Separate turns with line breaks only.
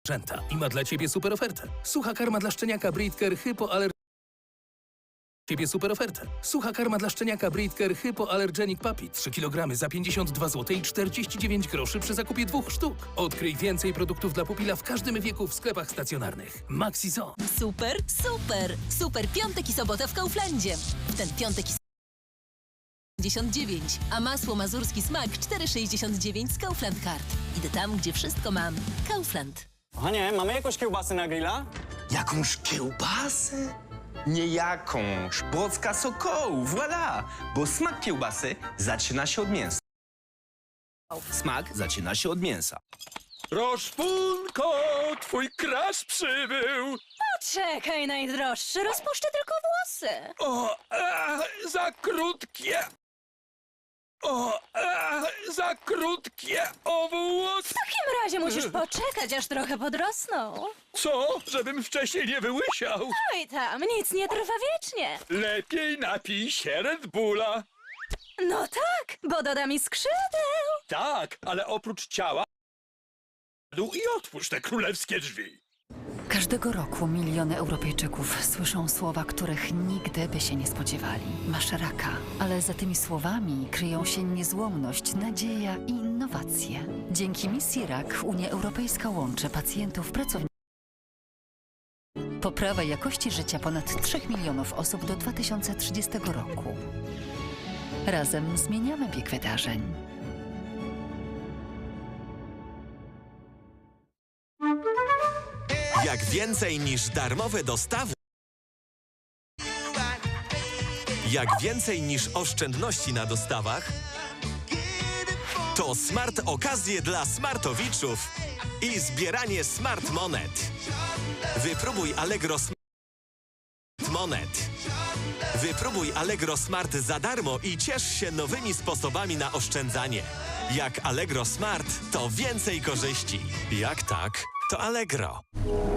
I ma dla Ciebie super ofertę. Sucha karma dla szczeniaka Britker Sucha karma dla szczeniaka Britker Hypoallergenic Puppy 3 kg za 52 zł i 49 groszy przy zakupie 2 sztuk. Odkryj więcej produktów dla pupila w każdym wieku w sklepach stacjonarnych. Maxi Zoo.
Super, super! Super piątek i sobota w Kauflandzie. W ten piątek i 59, a masło mazurski smak 4,69 z Kaufland Card. Idę tam, gdzie wszystko mam. Kaufland.
Kochanie, mamy jakąś kiełbasę na grilla?
Jakąś kiełbasę? Nie jakąś. Błocka Sokołu, voilà! Bo smak kiełbasy zaczyna się od mięsa. Smak zaczyna się od mięsa.
Roszpunko, twój crush przybył!
Czekaj, najdroższy, rozpuszczę tylko włosy.
Za krótkie! Za krótkie włosy!
W takim razie musisz poczekać, aż trochę podrosną.
Co? Żebym wcześniej nie wyłysiał?
Oj tam, nic nie trwa wiecznie.
Lepiej napij się Red Bulla.
No tak, bo doda mi skrzydeł.
Tak, ale oprócz ciała... I otwórz te królewskie drzwi.
Każdego roku miliony Europejczyków słyszą słowa, których nigdy by się nie spodziewali. Masz raka, ale za tymi słowami kryją się niezłomność, nadzieja i innowacje. Dzięki misji RAK Unia Europejska łączy pacjentów, pracowników. Poprawa jakości życia ponad 3 milionów osób do 2030 roku. Razem zmieniamy bieg wydarzeń.
Jak więcej niż darmowe dostawy. Jak więcej niż oszczędności na dostawach. To smart okazje dla smartowiczów i zbieranie smart monet. Wypróbuj Allegro Smart Monet. Wypróbuj Allegro Smart za darmo i ciesz się nowymi sposobami na oszczędzanie. Jak Allegro Smart, to więcej korzyści. Jak tak, to Allegro.